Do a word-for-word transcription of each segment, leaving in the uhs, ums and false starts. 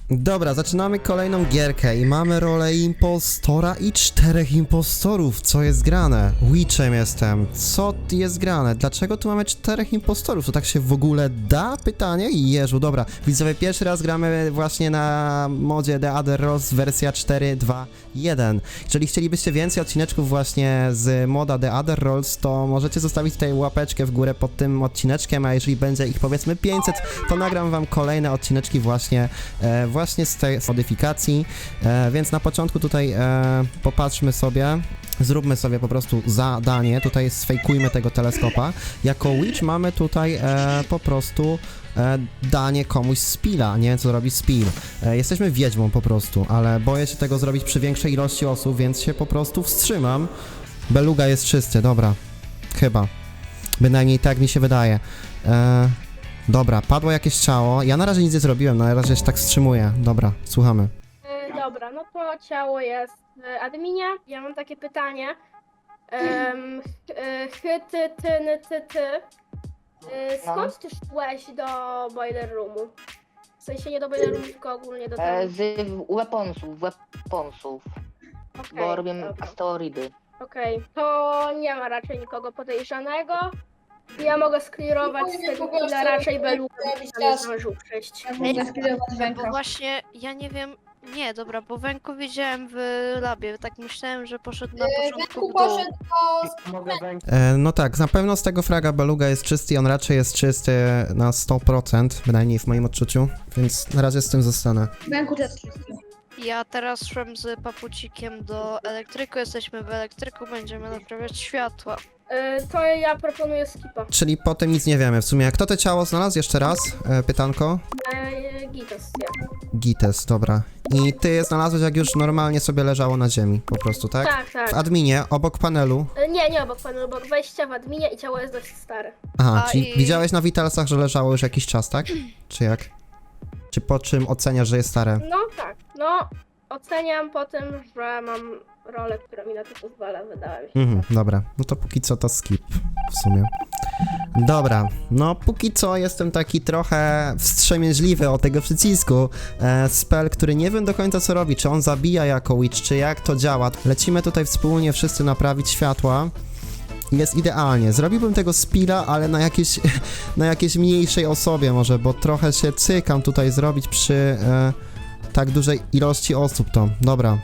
Dobra, zaczynamy kolejną gierkę i mamy rolę impostora i czterech impostorów. Co jest grane? Witchem jestem. Co jest grane? Dlaczego tu mamy czterech impostorów? To tak się w ogóle da? Pytanie? Jeżu, dobra. Widzowie, pierwszy raz gramy właśnie na modzie The Other Rolls wersja cztery dwa jeden. Jeżeli chcielibyście więcej odcineczków właśnie z moda The Other Rolls, to możecie zostawić tutaj łapeczkę w górę pod tym odcineczkiem, a jeżeli będzie ich powiedzmy pięćset, to nagram wam kolejne odcineczki właśnie e, właśnie z tej modyfikacji, e, więc na początku tutaj e, popatrzmy sobie, zróbmy sobie po prostu zadanie, tutaj sfejkujmy tego teleskopa. Jako Witch mamy tutaj e, po prostu e, danie komuś spilla, nie wiem co robi spill. E, jesteśmy wiedźmą po prostu, ale boję się tego zrobić przy większej ilości osób, więc się po prostu wstrzymam. Beluga jest czysty, dobra, chyba, bynajmniej tak mi się wydaje. E, Dobra, padło jakieś ciało. Ja na razie nic nie zrobiłem, na razie się tak wstrzymuję. Dobra, słuchamy. E, Dobra, no to ciało jest w adminie. Ja mam takie pytanie. Um, Hy, ty, ty, ny, ty, ty. E, Skąd ty szłeś do boiler roomu? W sensie nie do boiler roomu, tylko ogólnie do E, tam. z weaponsów, weaponsów, Okej, bo robię dobra. asteroidy. Okej, to nie ma raczej nikogo podejrzanego. Ja mogę sklirować z tego killa raczej Beluga, bo tam nie zdążył przejść. Bo właśnie, ja nie wiem, nie, dobra, bo Węku widziałem w labie, tak myślałem, że poszedł na początku w dół. E, no tak, na pewno z tego fraga Beluga jest czysty i on raczej jest czysty na sto procent, bynajmniej w moim odczuciu, więc na razie z tym zostanę. Węku też czysty. Ja teraz szłem z papucikiem do elektryku, jesteśmy w elektryku, będziemy naprawiać światła. E, To ja proponuję skipa. Czyli po tym nic nie wiemy w sumie. Kto to ciało znalazł? Jeszcze raz, e, pytanko. E, Gitos, ja. Gites, dobra. I ty je znalazłeś jak już normalnie sobie leżało na ziemi, po prostu, tak? Tak, tak. W adminie, obok panelu. E, Nie, nie obok panu, obok wejścia w adminie i ciało jest dość stare. Aha, A czyli i- widziałeś na Vitalsach, że leżało już jakiś czas, tak? Czy jak? Czy po czym oceniasz, że jest stare? No tak, no oceniam po tym, że mam rolę, która mi na to pozwala, wydaje mi się. Mhm, dobra. No to póki co to skip w sumie. Dobra, no póki co jestem taki trochę wstrzemięźliwy o tego przycisku. E, spell, który nie wiem do końca co robi, czy on zabija jako witch, czy jak to działa. Lecimy tutaj wspólnie wszyscy naprawić światła. Jest idealnie. Zrobiłbym tego spilla, ale na jakiejś, na jakiejś mniejszej osobie może, bo trochę się cykam tutaj zrobić przy e, tak dużej ilości osób to. Dobra.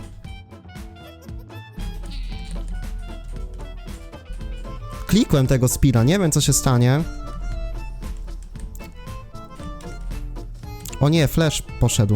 Klikłem tego spilla, nie wiem co się stanie. O nie, flash poszedł.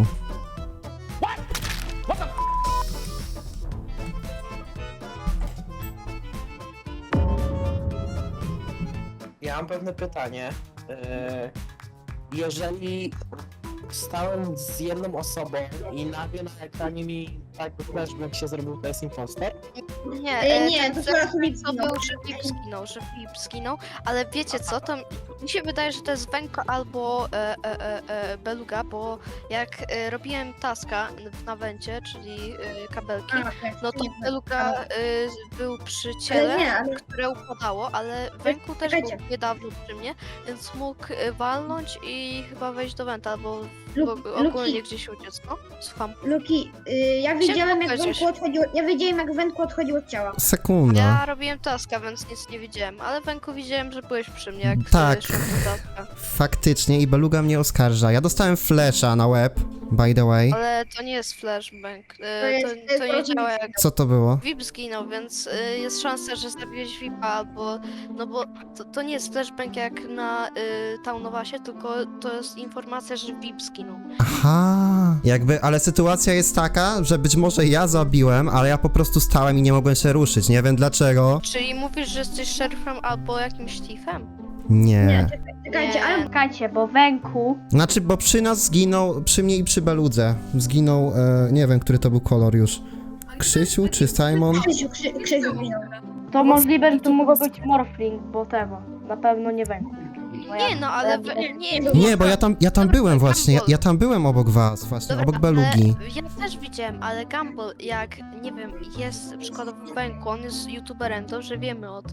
Ja mam pewne pytanie. E, Jeżeli stałem z jedną osobą i nagle na ekranie mi tak flashback się zrobił, to jest imposter? Nie, E, e, nie, ten to Węku zaraz Filip to zginął. był, że Filip zginął, że Filip zginął, ale wiecie co, to mi się wydaje, że to jest Węko albo e, e, e, e, Beluga, bo jak e, robiłem taska na wencie, czyli e, kabelki, no to Beluga e, był przy ciele, nie, ale- które upadało, ale Węku też był czekajcie. niedawno przy mnie, więc mógł e, walnąć i chyba wejść do wenta, albo Luk- bo ogólnie Luki. gdzieś uciec, no? Słucham. Luki, y, ja widziałem jak powiedzieć. Węku odchodził, ja widziałem jak Węku odchodził od ciała. Sekunda. Ja robiłem taska, więc nic nie widziałem, ale Węku widziałem, że byłeś przy mnie, jak Tak. tak. szedłem do taska. Faktycznie i Beluga mnie oskarża. Ja dostałem flasha na łeb, by the way. Ale to nie jest flashbang, To to, jest- to, to jest to nie rodzaj- działa jak Co to było? V I P zginął, więc y, jest szansa, że zabiłeś V I P-a, albo, no bo to, to nie jest flashbang jak na y, Townowasie, tylko to jest informacja, że V I P zginął. Aha. Jakby, ale sytuacja jest taka, że być może ja zabiłem, ale ja po prostu stałem i nie mogłem się ruszyć. Nie wiem dlaczego. Czyli mówisz, że jesteś szeryfem albo jakimś thiefem? Nie. Nie, czekaj, czekajcie, Nie. ale Czekajcie, bo Węku... Znaczy, bo przy nas zginął, przy mnie i przy Beludze. Zginął, e, nie wiem, który to był kolor już. Krzysiu czy Simon? Krzysiu, Krzy, Krzysiu zginął. To możliwe, że to mogło być Morphling, bo tego. Na pewno nie Węku. Bo ja- Nie no, bo ale ja- we, nie, Nie, bo ja tam, ja tam byłem właśnie. Ja, ja tam byłem obok was, właśnie, Dobra, obok Belugi. ale ja też widziałem, ale Gumball, jak, nie wiem, jest przykładowo w Węku, on jest youtuberem, dobrze wiemy o tym,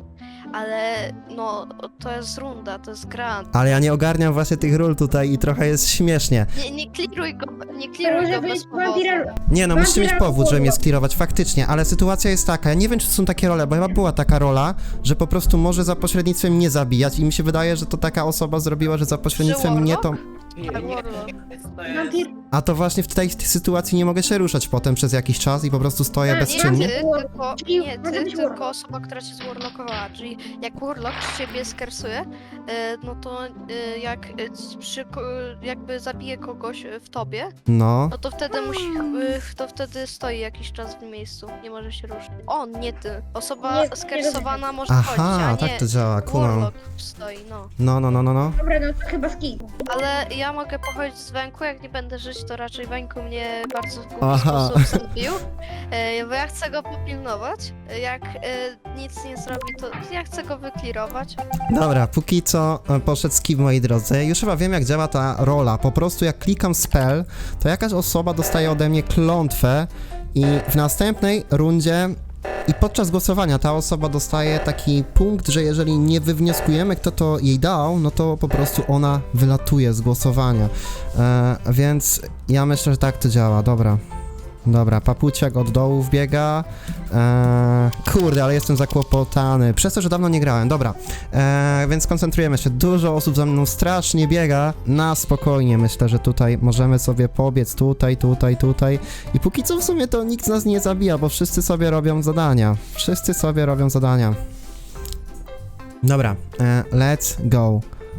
ale no to jest runda, to jest gra. Ale ja nie ogarniam właśnie tych ról tutaj i trochę jest śmiesznie. Nie, nie kliruj go, nie To kliruj może go bez być powodu. wampira... Nie no, musicie mieć Wampira powód, żeby mnie Warlock. sklirować, faktycznie, ale sytuacja jest taka, ja nie wiem, czy to są takie role, bo chyba była taka rola, że po prostu może za pośrednictwem mnie zabijać i mi się wydaje, że to taka osoba zrobiła, że za pośrednictwem mnie to... Nie, Tak, nie, Warlock. to jest... Wampir... A to właśnie w tej, tej sytuacji nie mogę się ruszać potem przez jakiś czas i po prostu stoję Nie, Nie bezczynnie. ty, tylko, Czyli nie, może ty, być tylko Warlock. osoba, która cię zwarlockowała, czyli jak Warlock ciebie skersuje, e, no to e, jak e, c- przy, ko- jakby zabije kogoś e, w tobie, No. no to wtedy musi, e, to wtedy stoi jakiś czas w miejscu, nie może się ruszyć. On, nie ty. Osoba Nie, nie skersowana może Aha, chodzić, a nie tak to działa, kumam. Warlock stoi, no. No, no, no, no, no. Dobra, no to chyba skip. Ale ja mogę pochodzić z Węku, jak nie będę żyć, to raczej Węku mnie bardzo w głupi Aha. sposób zabił. E, bo ja chcę go popilnować. Jak e, nic nie zrobi, to ja chcę go wyklirować. Dobra, póki co e, poszedł skip, moi drodzy. Już chyba wiem, jak działa ta rola. Po prostu jak klikam spell, to jakaś osoba dostaje ode mnie klątwę i w następnej rundzie i podczas głosowania ta osoba dostaje taki punkt, że jeżeli nie wywnioskujemy, kto to jej dał, no to po prostu ona wylatuje z głosowania. E, więc ja myślę, że tak to działa. Dobra. Dobra, papuciak od dołu wbiega. Eee, kurde, ale jestem zakłopotany. Przez to, że dawno nie grałem. Dobra, eee, więc koncentrujemy się. Dużo osób za mną strasznie biega. Na spokojnie, myślę, że tutaj możemy sobie pobiec tutaj, tutaj, tutaj. I póki co w sumie to nikt z nas nie zabija, bo wszyscy sobie robią zadania. Wszyscy sobie robią zadania. Dobra, eee, let's go.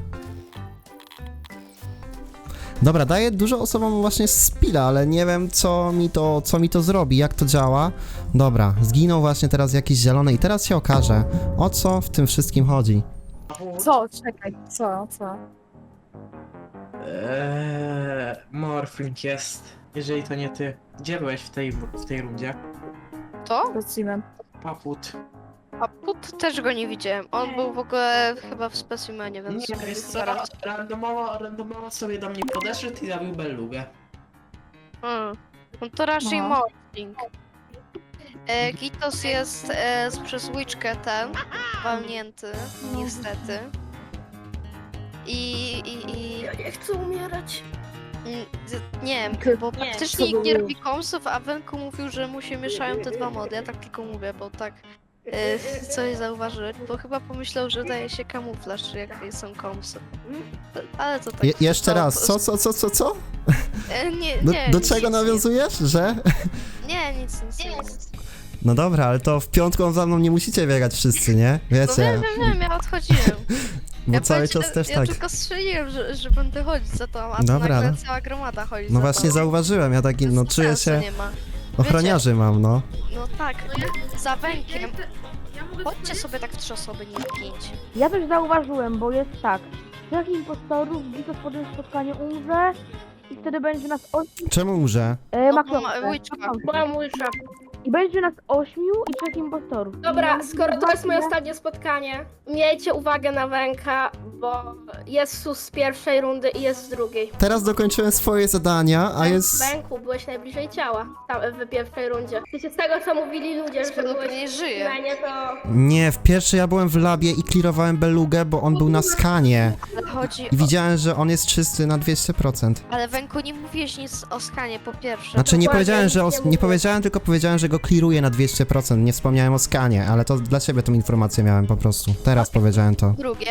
Dobra, daję dużo osobom właśnie spila, ale nie wiem co mi to, co mi to zrobi, jak to działa. Dobra, zginął właśnie teraz jakiś zielony i teraz się okaże, o co w tym wszystkim chodzi. Co? Czekaj, co, co? Eee, Morphling jest. Jeżeli to nie ty. Gdzie byłeś w tej, w tej rundzie? To? Specimen. Paput. A Pup też go nie widziałem. On był w ogóle chyba w specimenie, więc Nie, sobie jest co, zaraz. randomowo, randomowo sobie do mnie podeszedł i zabił Bellugę. Hmm. No to raczej No. Morphling. E, Gitos jest e, z- przez łyczkę ten, walnięty, niestety. I, i, i... Ja nie chcę umierać. Mm, z- Nie wiem, bo Nie, praktycznie co nikt nie było? robi komsów, a Wenku mówił, że mu się mieszają te dwa mody. Ja tak tylko mówię, bo tak e, coś zauważyłem, bo chyba pomyślał, że daje się kamuflaż, jak są komsy. Ale to tak. Je jeszcze to- raz, co, co, co, co, co? E, nie, Do, nie, do nic, czego nic, nawiązujesz, że? Nie, nic, nic, nic. No dobra, ale to w piątką za mną nie musicie biegać wszyscy, nie? No Wiecie, wiem, wiem, wiem, ja odchodziłem. bo Ja cały powiedziałem- czas też ja tak. tylko strzeliłem, że, że będę chodzić za to, a Dobra, to nagle no. cała gromada chodzi No za właśnie to. zauważyłem, ja taki, no Sensu czuję się, nie ma. ochroniarzy mam, no. No tak, za Wękiem. Chodźcie sobie tak w trzy osoby, nie w pięć. Ja też zauważyłem, bo jest tak. Trzech impostorów, Gitos po tym spotkaniu umrze i wtedy będzie nas ośmiu. Czemu umrze? E, No, ma ma- klątwę. łyczka. Moja łysza. I będzie nas ośmiu i trzech impostorów. Dobra, No, skoro to jest moje zobaczmy. ostatnie spotkanie, miejcie uwagę na Węka, bo jest sus z pierwszej rundy i jest z drugiej. Teraz dokończyłem swoje zadania, a jest... Węku, byłeś najbliżej ciała tam w pierwszej rundzie. Wiecie, z tego co mówili ludzie, że Skoro byłeś nie w żyje. planie, to... Nie, w pierwszej ja byłem w labie i clearowałem Bellugę, bo on był na skanie. Ale chodzi I o... widziałem, że on jest czysty na dwieście procent. Ale Węku, nie mówiłeś nic o skanie, po pierwsze. Znaczy nie Dokładnie, powiedziałem, że nic o, nie nie mówię. powiedziałem, tylko powiedziałem, że go clearuję na dwieście procent. Nie wspomniałem o skanie, ale to dla ciebie tą informację miałem po prostu. Teraz powiedziałem to. Drugie,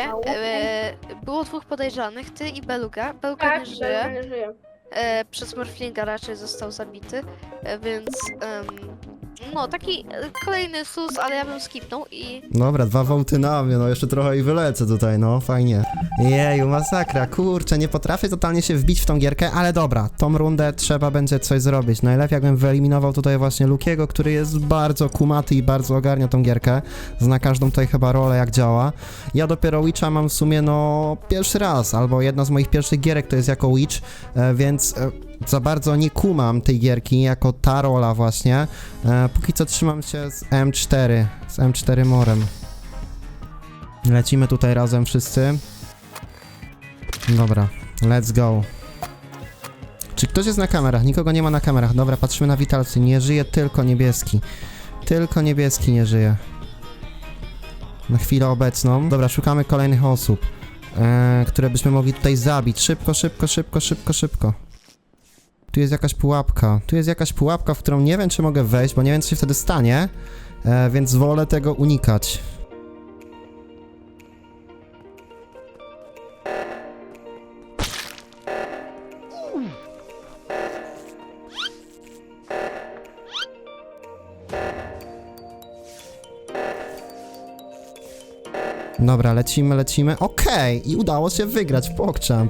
e, było dwóch podejrzanych, ty i Beluga. Beluga Tak, nie że żyje. nie żyje. E, przez Morflinga raczej został zabity, e, więc em, no taki e, kolejny sus, ale ja bym skipnął i Dobra, dwa wołty na mnie, no jeszcze trochę i wylecę tutaj, no fajnie. Jeju, masakra, kurczę, nie potrafię totalnie się wbić w tą gierkę, ale dobra, tą rundę trzeba będzie coś zrobić. Najlepiej jakbym wyeliminował tutaj właśnie Lukiego, który jest bardzo kumaty i bardzo ogarnia tą gierkę. Zna każdą tutaj chyba rolę, jak działa. Ja dopiero Witcha mam w sumie, no, pierwszy raz, albo jedna z moich pierwszych gierek to jest jako Witch, e, więc e, za bardzo nie kumam tej gierki jako ta rola właśnie. E, póki co trzymam się z M cztery, z M cztery Morem. Lecimy tutaj razem wszyscy. Dobra, let's go. Czy ktoś jest na kamerach? Nikogo nie ma na kamerach. Dobra, patrzymy na witalcy. Nie żyje tylko niebieski. Tylko niebieski nie żyje. Na chwilę obecną. Dobra, szukamy kolejnych osób, e, które byśmy mogli tutaj zabić. Szybko, szybko, szybko, szybko, szybko. Tu jest jakaś pułapka. Tu jest jakaś pułapka, w którą nie wiem, czy mogę wejść, bo nie wiem, co się wtedy stanie, e, więc wolę tego unikać. Dobra, lecimy, lecimy. Okej, i udało się wygrać w PogChamp.